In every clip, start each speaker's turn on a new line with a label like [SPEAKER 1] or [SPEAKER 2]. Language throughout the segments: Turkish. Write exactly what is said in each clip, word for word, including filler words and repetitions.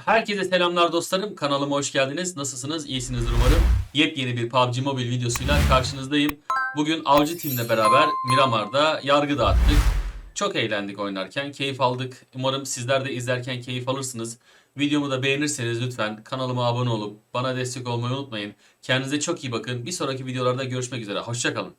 [SPEAKER 1] Herkese selamlar dostlarım. Kanalıma hoş geldiniz. Nasılsınız? İyisinizdir umarım. Yepyeni bir P U B G Mobile videosuyla karşınızdayım. Bugün Avcı Team'le beraber Miramar'da yargı dağıttık. Çok eğlendik oynarken, keyif aldık. Umarım sizler de izlerken keyif alırsınız. Videomu da beğenirseniz lütfen kanalıma abone olup bana destek olmayı unutmayın. Kendinize çok iyi bakın. Bir sonraki videolarda görüşmek üzere. Hoşça kalın.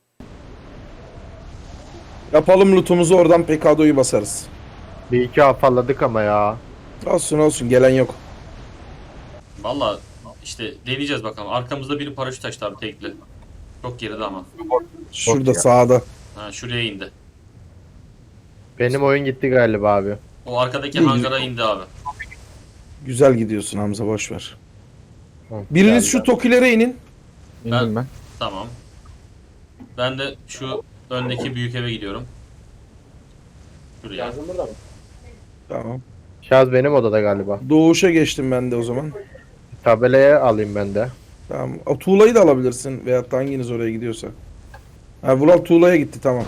[SPEAKER 2] Yapalım lootumuzu, oradan P K D'yi basarız.
[SPEAKER 3] Bir iki afalladık ama ya.
[SPEAKER 2] Olsun olsun, gelen yok.
[SPEAKER 1] Valla işte deneyeceğiz bakalım. Arkamızda biri paraşüt açtı abi, tekli. Çok geride ama.
[SPEAKER 2] Şurada
[SPEAKER 3] ya.
[SPEAKER 2] sağda.
[SPEAKER 1] Ha, şuraya indi.
[SPEAKER 3] Benim oyun gitti galiba abi.
[SPEAKER 1] O arkadaki
[SPEAKER 2] İyi.
[SPEAKER 1] hangara indi abi.
[SPEAKER 2] Güzel gidiyorsun Hamza, boş ver.
[SPEAKER 3] Hı,
[SPEAKER 2] Biriniz
[SPEAKER 3] geldi.
[SPEAKER 2] şu Tokilere inin.
[SPEAKER 1] Ben, ben. Tamam. Ben de şu öndeki büyük eve gidiyorum. Şuraya.
[SPEAKER 2] Tamam.
[SPEAKER 3] Şaz benim odada galiba.
[SPEAKER 2] Doğuşa geçtim ben de o zaman.
[SPEAKER 3] Tabelaya alayım ben de.
[SPEAKER 2] Tamam. O tuğlayı da alabilirsin veyahut da hanginiz oraya gidiyorsa. Ha, Vural tuğlaya gitti, tamam.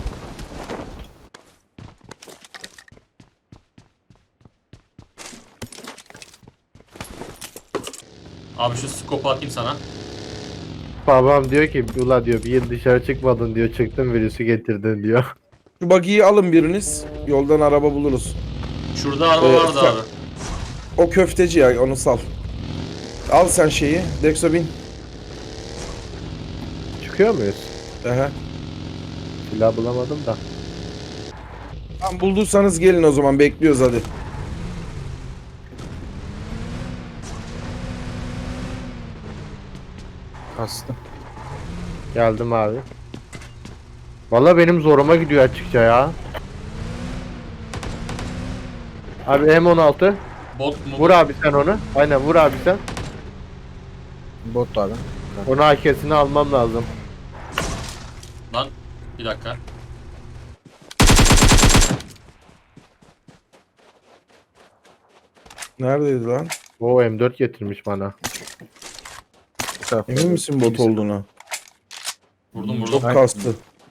[SPEAKER 1] Abi şu skopu atayım sana.
[SPEAKER 3] Babam diyor ki ula diyor bir yıl dışarı çıkmadın diyor, çıktın virüsü getirdin diyor.
[SPEAKER 2] Şu buggy'yi alın biriniz. Yoldan araba buluruz.
[SPEAKER 1] Şurada araba
[SPEAKER 2] Ee,
[SPEAKER 1] vardı
[SPEAKER 2] sen-
[SPEAKER 1] abi.
[SPEAKER 2] O köfteci ya, onu sal. Al sen şeyi. Dexo bin.
[SPEAKER 3] Çıkıyor muyuz?
[SPEAKER 2] Aha.
[SPEAKER 3] Silah bulamadım da.
[SPEAKER 2] Tamam, bulduysanız gelin o zaman, bekliyoruz hadi.
[SPEAKER 4] Kastım.
[SPEAKER 3] Geldim abi. Valla benim zoruma gidiyor açıkça ya. Abi M on altı.
[SPEAKER 1] Bot mu?
[SPEAKER 3] Vur abi sen onu. Aynen vur abi sen.
[SPEAKER 4] Bot abi.
[SPEAKER 3] Onu A K'sini almam lazım.
[SPEAKER 1] Lan bir dakika.
[SPEAKER 2] Neredeydi lan?
[SPEAKER 3] O M dört getirmiş bana.
[SPEAKER 4] Bu tarafta.
[SPEAKER 2] Emin misin bot olduğuna?
[SPEAKER 1] Vurdum
[SPEAKER 2] Çok
[SPEAKER 1] vurdum.
[SPEAKER 2] kastı.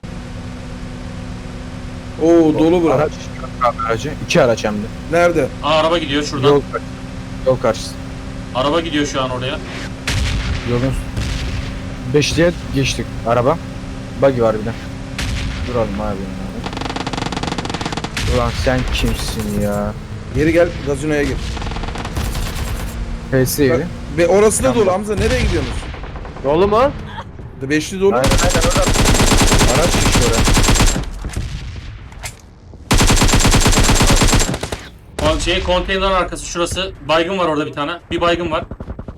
[SPEAKER 2] Oo, dolu bura.
[SPEAKER 4] Araç. Abi aracı. İki araç hem de.
[SPEAKER 2] Nerede?
[SPEAKER 1] Aa, araba gidiyor şuradan.
[SPEAKER 4] Yol, yol karşısı.
[SPEAKER 1] Araba gidiyor şu an oraya.
[SPEAKER 4] Yolun beşliğe geçtik. Araba. Buggy var bir de. Duralım abi. Ulan sen kimsin ya?
[SPEAKER 2] Geri gel, gazinoya gir.
[SPEAKER 4] P S evi.
[SPEAKER 2] Ve orası da
[SPEAKER 4] Tamam.
[SPEAKER 2] dolu Hamza, nereye gidiyorsunuz?
[SPEAKER 3] Dolu mu?
[SPEAKER 2] Beşli dolu.
[SPEAKER 4] Aynen aynen orada. Araç geçti oraya.
[SPEAKER 1] O şey konteyner arkası şurası. Baygın var orada bir tane. Bir baygın var.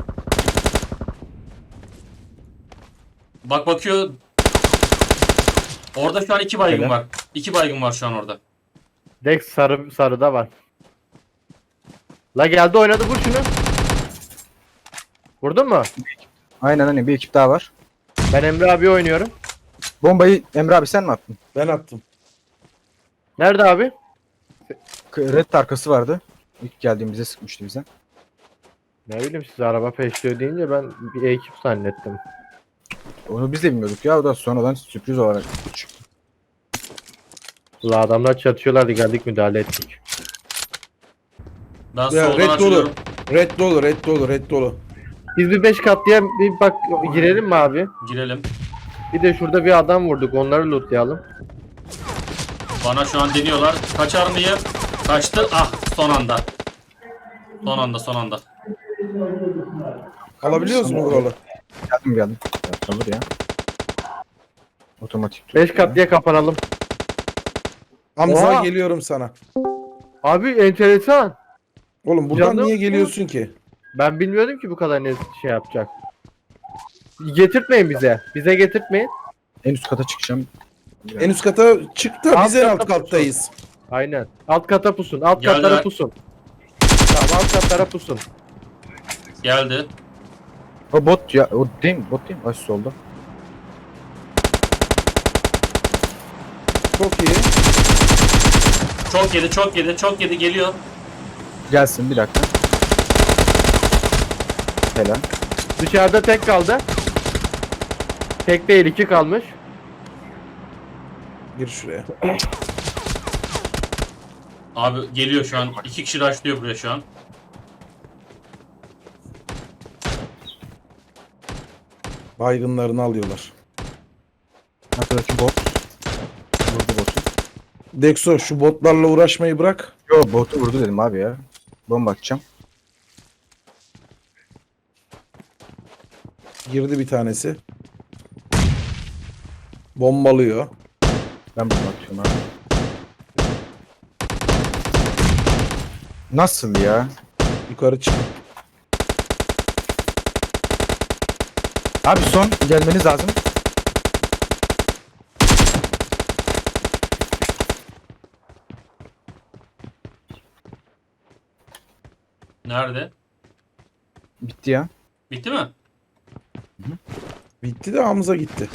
[SPEAKER 1] Bak bakıyor. Orada şu an iki baygın
[SPEAKER 3] Öyle.
[SPEAKER 1] var. İki baygın var şu an orada.
[SPEAKER 3] Dex sarı sarıda var. La geldi oynadı, vur şunu. Vurdun mu?
[SPEAKER 4] Aynen hani bir ekip daha var.
[SPEAKER 3] Ben Emre abi oynuyorum.
[SPEAKER 4] Bombayı Emre abi sen mi attın?
[SPEAKER 2] Ben attım.
[SPEAKER 3] Nerede abi?
[SPEAKER 4] K- Red arkası vardı. İlk geldiğimizde sıkmıştı bize.
[SPEAKER 3] Ne bileyim, siz araba peşliyor deyince ben bir ekip zannettim.
[SPEAKER 4] Onu biz de bilmiyorduk ya. O da sonradan sürpriz olarak çıktı.
[SPEAKER 3] La adamlar çatışıyorlardı, geldik müdahale ettik.
[SPEAKER 1] Ben
[SPEAKER 2] Ya,
[SPEAKER 1] soldan
[SPEAKER 2] red dolu.
[SPEAKER 1] açılıyorum.
[SPEAKER 2] Red dolu, red dolu, red dolu.
[SPEAKER 3] Biz bir beş katlıya bir bak girelim mi abi?
[SPEAKER 1] Girelim.
[SPEAKER 3] Bir de şurada bir adam vurduk, onları lootlayalım.
[SPEAKER 1] Bana şu an deniyorlar. Kaçar mıyım? Kaçtı. Ah, son anda. Son anda son anda.
[SPEAKER 2] Alabiliyoruz mu buralı?
[SPEAKER 4] Geldim geldim. Ya, alır ya. Otomatik.
[SPEAKER 3] beş katlıya kapanalım.
[SPEAKER 2] Hamza,
[SPEAKER 3] Oha!
[SPEAKER 2] geliyorum sana.
[SPEAKER 3] Abi enteresan.
[SPEAKER 2] Oğlum buradan
[SPEAKER 3] Canım.
[SPEAKER 2] niye geliyorsun ki?
[SPEAKER 3] Ben bilmiyordum ki bu kadar ne şey yapacak. Getirtmeyin bize. Bize getirtmeyin.
[SPEAKER 4] En üst kata çıkacağım.
[SPEAKER 2] En üst kata çık da
[SPEAKER 3] Alt
[SPEAKER 2] biz en alt
[SPEAKER 3] kata
[SPEAKER 2] kattayız.
[SPEAKER 3] Aynen. Alt kata pusun. Alt
[SPEAKER 1] Geldiler.
[SPEAKER 3] katlara pusun. Tamam, alt katlara pusun.
[SPEAKER 1] Geldi.
[SPEAKER 4] O bot ya. O değil mi? Bot değil mi? Aş solda.
[SPEAKER 2] Çok iyi.
[SPEAKER 1] Çok yedi, çok yedi, çok yedi, geliyor.
[SPEAKER 4] Gelsin bir dakika. Helal.
[SPEAKER 3] Dışarıda tek kaldı. Tek değil, iki kalmış.
[SPEAKER 2] Gir şuraya.
[SPEAKER 1] Abi geliyor şu an. İki kişi rushlıyor buraya şu an.
[SPEAKER 2] Baygınlarını alıyorlar.
[SPEAKER 4] Arkadaki bot. Vurdu botu.
[SPEAKER 2] Dexo şu botlarla uğraşmayı bırak.
[SPEAKER 4] Yo botu vurdu dedim abi ya. Bomba atacağım.
[SPEAKER 2] Girdi bir tanesi. Bombalıyor.
[SPEAKER 4] Ben bomba atıyorum abi. Nasıl ya?
[SPEAKER 2] Yukarı çık.
[SPEAKER 4] Abi son gelmeniz lazım.
[SPEAKER 1] Nerede?
[SPEAKER 4] Bitti ya.
[SPEAKER 1] Bitti mi?
[SPEAKER 2] Bitti de Hamza gitti.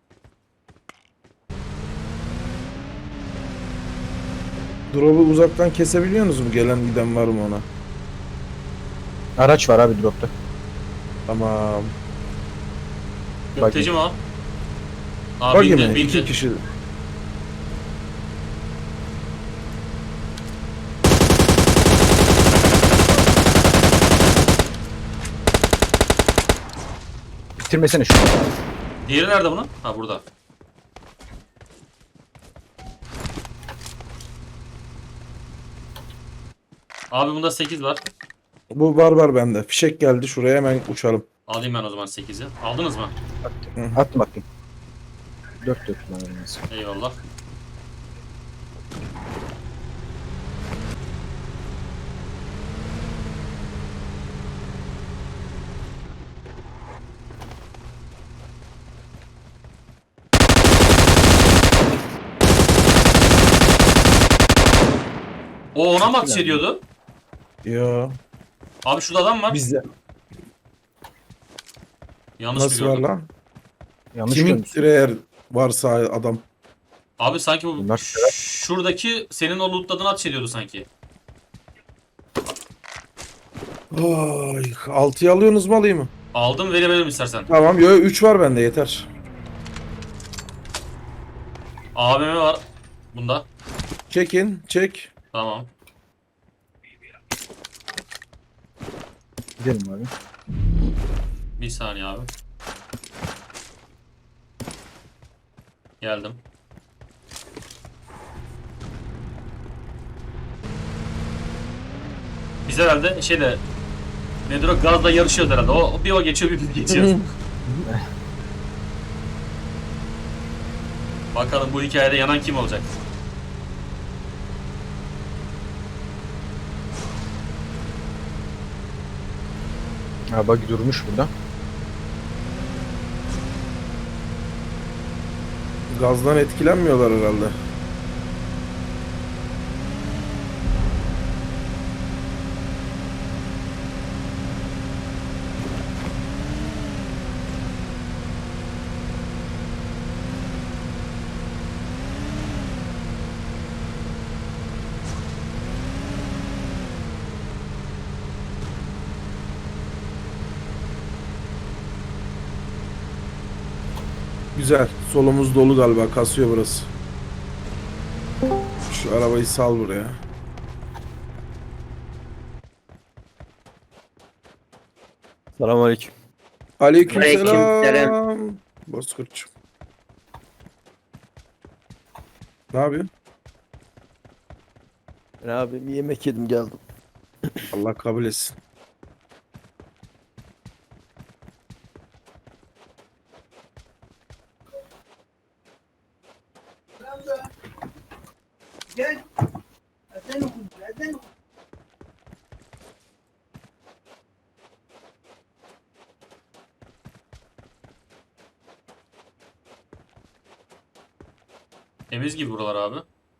[SPEAKER 2] Drop'u uzaktan kesebiliyorsunuz mu? Gelen giden var mı ona?
[SPEAKER 4] Araç var abi dropta.
[SPEAKER 2] Tamam.
[SPEAKER 1] Gökteci mi o? Aa,
[SPEAKER 2] Bak
[SPEAKER 1] bindi,
[SPEAKER 2] yine
[SPEAKER 1] bindi.
[SPEAKER 2] iki kişi.
[SPEAKER 4] Bitirmesene şunu.
[SPEAKER 1] Diğeri nerede bunun? Ha, burada. Abi bunda sekiz var.
[SPEAKER 2] Bu var var bende. Fişek geldi şuraya hemen uçalım.
[SPEAKER 1] Alayım ben o zaman sekizi. Aldınız mı?
[SPEAKER 4] Attım attım. Dört dört kullanıyorum mesela.
[SPEAKER 1] Eyvallah. O ona mı ateş ediyordu?
[SPEAKER 2] Yo.
[SPEAKER 1] Abi şurada adam var.
[SPEAKER 2] Bizde.
[SPEAKER 1] Yanlış mı
[SPEAKER 2] Nasıl var
[SPEAKER 1] gördüm?
[SPEAKER 2] lan?
[SPEAKER 4] Yanlış
[SPEAKER 2] Kimin
[SPEAKER 4] görmüşsün.
[SPEAKER 2] eğer varsa adam.
[SPEAKER 1] Abi sanki bu
[SPEAKER 4] Bunlar
[SPEAKER 1] şuradaki senin o lootladığını ateş ediyordu sanki.
[SPEAKER 2] Ay, altıyı alıyorsunuz mu alayım mı?
[SPEAKER 1] Aldım, verebilirim istersen.
[SPEAKER 2] Tamam yo üç var bende yeter.
[SPEAKER 1] A V M var bunda.
[SPEAKER 2] Çekin çek.
[SPEAKER 1] Tamam.
[SPEAKER 4] gidelim abi.
[SPEAKER 1] Bir saniye abi. Geldim. Biz herhalde şeyde nedir o, gazla yarışıyoruz herhalde. O bir o geçiyor bir biz geçiyoruz. Bakalım bu hikayede yanan kim olacak?
[SPEAKER 4] Ha bak durmuş burada.
[SPEAKER 2] Gazdan etkilenmiyorlar herhalde. Güzel. Solumuz dolu galiba. Kasıyor burası. Şu arabayı sal buraya.
[SPEAKER 5] Selamünaleyküm.
[SPEAKER 2] Aleykümselam.
[SPEAKER 6] Aleykümselam.
[SPEAKER 2] Bozkurtçum. Ne yapıyorsun?
[SPEAKER 5] Ben abi bir yemek yedim geldim.
[SPEAKER 2] Allah kabul etsin.
[SPEAKER 1] Temiz gibi buralar abi.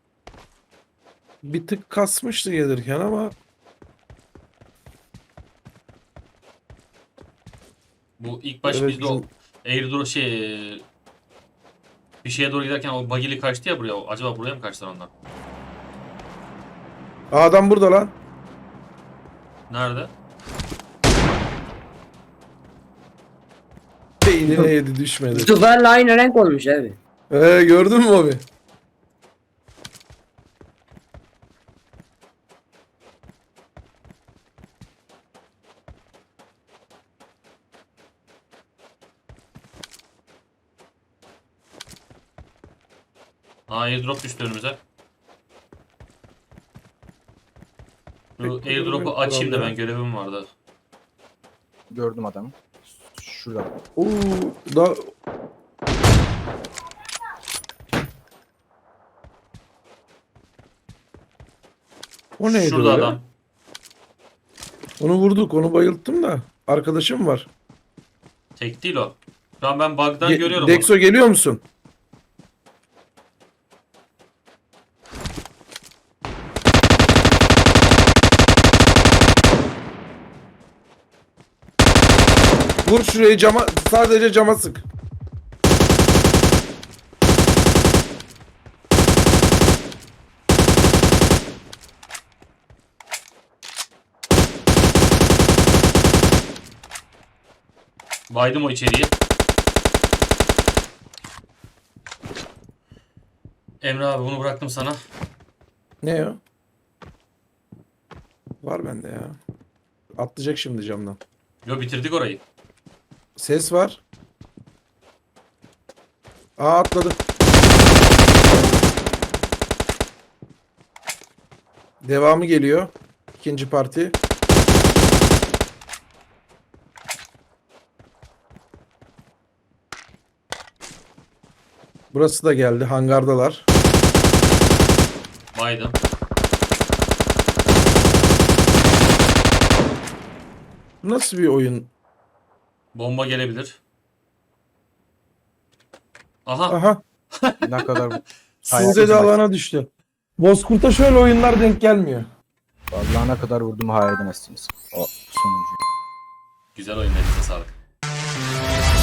[SPEAKER 2] Bir tık kasmıştı gelirken ama
[SPEAKER 1] Bu ilk baş
[SPEAKER 2] Evet,
[SPEAKER 1] bizde o
[SPEAKER 2] bizim-
[SPEAKER 1] airdrop şey bir şeye doğru giderken o bagili kaçtı ya buraya. Acaba buraya mı kaçtılar onlar?
[SPEAKER 2] Aa, adam burada lan.
[SPEAKER 1] Nerede?
[SPEAKER 2] Beynine yedi düşmedi.
[SPEAKER 6] Duvarla aynı renk olmuş abi.
[SPEAKER 2] Ee, gördün mü abi?
[SPEAKER 1] Aa airdrop düştü önümüze. Şu
[SPEAKER 2] Peki,
[SPEAKER 1] airdrop'u
[SPEAKER 2] demek
[SPEAKER 1] açayım da
[SPEAKER 2] herhalde.
[SPEAKER 1] ben görevim vardı.
[SPEAKER 4] Gördüm adamı. Şurada.
[SPEAKER 2] Oo, da O neydi
[SPEAKER 1] Şurada
[SPEAKER 2] öyle?
[SPEAKER 1] adam.
[SPEAKER 2] Onu vurduk, onu bayılttım da. Arkadaşım var.
[SPEAKER 1] Tek değil o. Şu an ben bug'dan
[SPEAKER 2] Ge-
[SPEAKER 1] görüyorum
[SPEAKER 2] Dexo geliyor musun? Vur şurayı cama, sadece cama sık.
[SPEAKER 1] onu. Baydım o içeriği. Emre abi bunu bıraktım sana.
[SPEAKER 2] Ne o? Var bende ya. Atlayacak şimdi camdan.
[SPEAKER 1] Yo bitirdik orayı.
[SPEAKER 2] Ses var. Aa atladı. Devamı geliyor. İkinci parti. Burası da geldi. Hangardalar.
[SPEAKER 1] Baydım.
[SPEAKER 2] Nasıl bir oyun?
[SPEAKER 1] Bomba gelebilir. Aha.
[SPEAKER 2] Aha.
[SPEAKER 4] Ne kadar
[SPEAKER 2] Sude de alana düştü. Bozkurt'a şöyle oyunlar denk gelmiyor.
[SPEAKER 4] vallahi ne kadar vurduğumu hayal edemezsiniz. O sonuncu.
[SPEAKER 1] Güzel oyun, elinize sağlık.